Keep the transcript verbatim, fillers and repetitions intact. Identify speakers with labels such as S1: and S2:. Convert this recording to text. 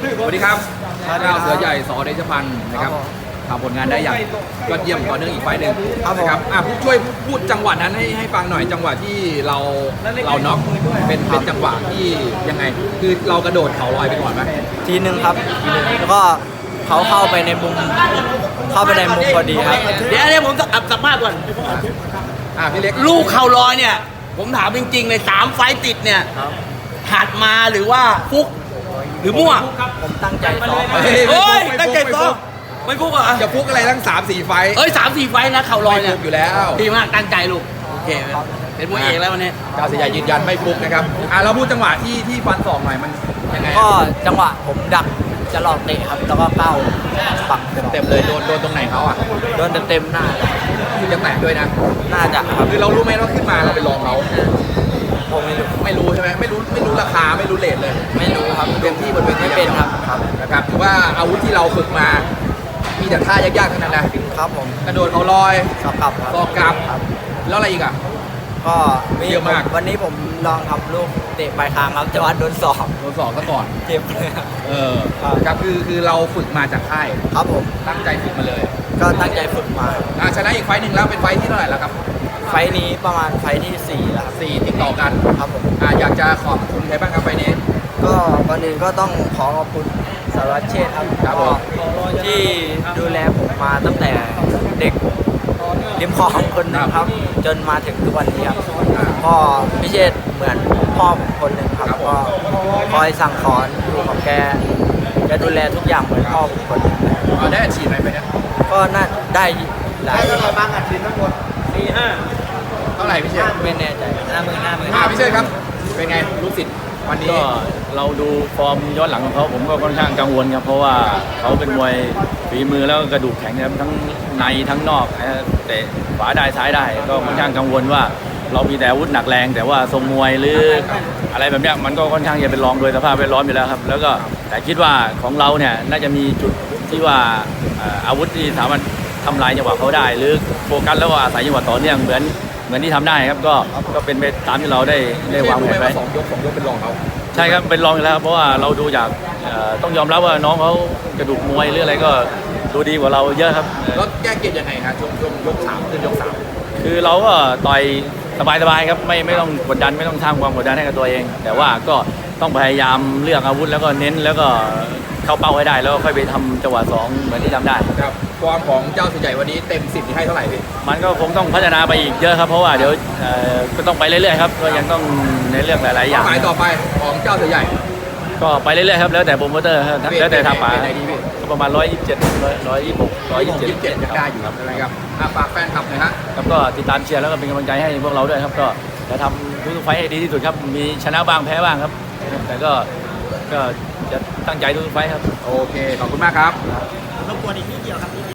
S1: สวัสดีครับเจ้าเสือใหญ่สอเดชพันธ์นะครับทำผลงานได้อย่างยอดเยี่ยมต่อเนื่องอีกไฟล์หนึ่งนะครับอ่ะผู้ช่วยพูดจังหวะนั้นให้ให้ฟังหน่อยจังหวะที่เราเราน็อกเป็นเป็นจังหวะที่ยังไงคือเรากระโดดเข่าลอยไปก่อนไหม
S2: ทีหนึ่งครับแล้วก็เขาเข้าไปในมุมเข้าไปในมุมพอดีครับ
S3: เดี๋ยวเดี๋ยวผมสัมภาษณ์ก่อน
S1: อ่ะพี่เล็ก
S3: ลูกเข่าลอยเนี่ย ผมถามจริงๆเลยสามไฟต์ติดเนี่ย หัดมาหรือว่าฟุกหรือมั่ว
S2: ผมตั้งใจซ้อม
S3: เฮ้ยตั้งใจซ้อมไม่ฟุกเหรอ
S1: จะฟุกอะไรทั้งสามสี่ไฟล์
S3: เอ้ยสามสี่ไฟต์นะเข่าลอย
S1: ไม่
S3: เนี่
S1: ฟุ
S3: ย
S1: กอยู่แล้ว
S3: ดีมากตั้งใจลูกโอเคเป็นมวยเอกแล้ววันนี้
S1: เจ้าเสือใหญ่ยืนยันไม่ฟุกนะครับอ่ะเราพูดจังหวะที่ที่ฟันศอกหน่อยมันยังไง
S2: ก็จังหวะผมดักจะหลอกเตะครับ แล้วก็เข้าปัก
S1: เต็มๆเลยโดนโดนตรงไหนเขาอ่ะ
S2: โดนเต็มๆหน้า
S1: คือจะแตกด้วยนะ
S2: น่าจะครับ
S1: คือเรารู้ไหมว่าขึ้นมาเราไปลองเขา
S2: ผมไม่รู้
S1: ไม่รู้ใช่ไหมไม่รู้ไม่รู้ราคาไม่รู้เลทเลย
S2: ไม่รู้ครับ
S1: เต็มที่บนเวที
S2: ไม่เป็นครับครับ
S1: นะครับถือว่าอาวุธที่เราฝึกมา มีแต่ท่ายากๆทั้งนั้นนะครับ
S2: ผม
S1: กระโดดเขาลอย
S2: สอบกลับครับ
S1: ซอกกลับ
S2: ครับ
S1: แล้วอะไรอีกอ่ะ
S2: ก็
S1: เยอะมาก
S2: วันนี้ผมลองทำลูกเตะปลายคางครับแต่ว่าโดนสอบ
S1: โดนสอกซะก่อน
S2: เจ็บเลยครับ
S1: เออครับคือคือเราฝึกมาจากค่าย
S2: ครับผม
S1: ตั้งใจฝึกมาเลย
S2: ก็ตั้งใจฝึกมา
S1: อ่ะชนะอีกไฟต์หนึ่งแล้วเป็นไฟต์ที่เท่าไหร่แล้วครับ
S2: ไฟล์นี้ประมาณไฟล์ที่สี่แล้วครับ
S1: สี่ติดต่อกัน
S2: ครับผม
S1: อ่ะอยากจะขอบคุณใครบ้างครับไฟต์นี้
S2: ก็ก่อนอื่นก็ต้องขอขอบคุณสารวัตรเชษฐ์ครับ
S1: ครับผม
S2: ที่ดูแลผมมาตั้งแต่เด็กริมคลองคนหนึงครับ จนมาถึงทุกวันนี้ครับพ่อพิเชษฐ์เหมือนพ่อผมคนหนึ่งครับก็คอยสั่งสอนอยู่กับแกแกดูแลทุกอย่างเหมือนพ่อผมคนหนึง
S1: เอาได้อาชีพไหมไปเนี่ย
S2: ก็น่าได้หลาย
S3: บางอาทิตย์ทั้งหมดสี่ห้า
S1: เท่าไหร่พี่เชษ
S2: ไม่แน่ใจห้าหมื่นห้าหมื่น
S1: อ่ะพี่เชษครับ เป็นไงลูกศิษย์วันนี้
S4: ก็เราดูฟอร์มย้อนหลังของเขาผมก็ค่อนข้างกังวลครับเพราะว่าเขาเป็นมวยฝีมือแล้วก็กระดูกแข็งครับทั้งในทั้งนอกนะเตะขวาได้ซ้ายได้ ก็ค่อนข้างกังวลว่าเรามีแต่อาวุธหนักแรง แต่ว่าทรงมวยหรืออะไรแบบเนี้ยมันก็ค่อนข้างจะเป็นรองโดยสภาพแวดล้อมอยู่แล้วครับแล้วก็แต่คิดว่าของเราเนี่ยน่าจะมีจุดที่ว่าเอ่ออาวุธที่สามารถทำลายจังหวะเขาได้ หรือโฟกัสแล้วก็อาศัยจังหวะต่อเนื่องเหมือนเหมือนที่ทำได้ครับก็ก็เป็นไปตามที่เราได้ได้วางแผน
S1: รู้ไหม
S4: ไว้
S1: ว่าสองยกสองยกเป็นรองเขา
S4: ใช่ครับเป็นรองอยู่แล้วครับเพราะว่าเราดูจากเอ่อต้องยอมรับว่าน้องเขากระดูกมวยหรืออะไรก็ดูดีกว่าเราเยอะครับเอ่อ
S1: แล้วแก้เกมยังไงฮะช่วงช่วงยกสามขึ้นยกสาม
S4: คือเราก็ต่อยสบายๆครับไม่ไม่ต้องกดดันไม่ต้องสร้างความกดดันให้กับตัวเอง แต่ว่าก็ต้องพยายามเลือกอาวุธแล้วก็เน้นแล้วก็เข้าเป้าให้ได้แล้วก็ค่อยไปทำจังหวะสองเหมือนที่ทำได้
S1: ครับความของเจ้าสุใหญ่วันนี้เต็มสิบที่ให้เท่าไหร่พี่
S4: มันก็คงต้องพัฒนาไปอีกเยอะครับเพราะว่าเดี๋ยวเอ่อก็ต้องไปเรื่อยๆครับก็ยังต้องในเรื่องหลายๆอย่าง
S1: หมายต่อไปของเจ้าสุใหญ่
S4: ก็ไปเรื่อยๆครับแล้วแต่โปรโมเตอร์ครับแล้วแต่ทางป่า
S1: เป็นไหนดีพี่
S4: ก็ประมาณร้อยยี่สิบเจ็ดร้อยยี่สิบหกร้อยยี่สิบเจ็ด
S1: ยี่สิบเจ็ดยังได้อยู่ครับอะไรครับอ่ะฝากแฟนคลับหน่อยฮะ
S4: ครับก็ติดตามเชียร์แล้วก็เป็นกำลังใจให้พวกเราด้วยครับก็จะทำทุกๆไฟท์ให้ดีที่สุดครับมีชนะบ้างแพ้บ้างครับ แต่ก็ก็จะตั้งใจทุกๆไฟท์ครับ
S1: โอเค ขอบคุณมากครับ
S3: รบกวนอีกนิดเดียวครับ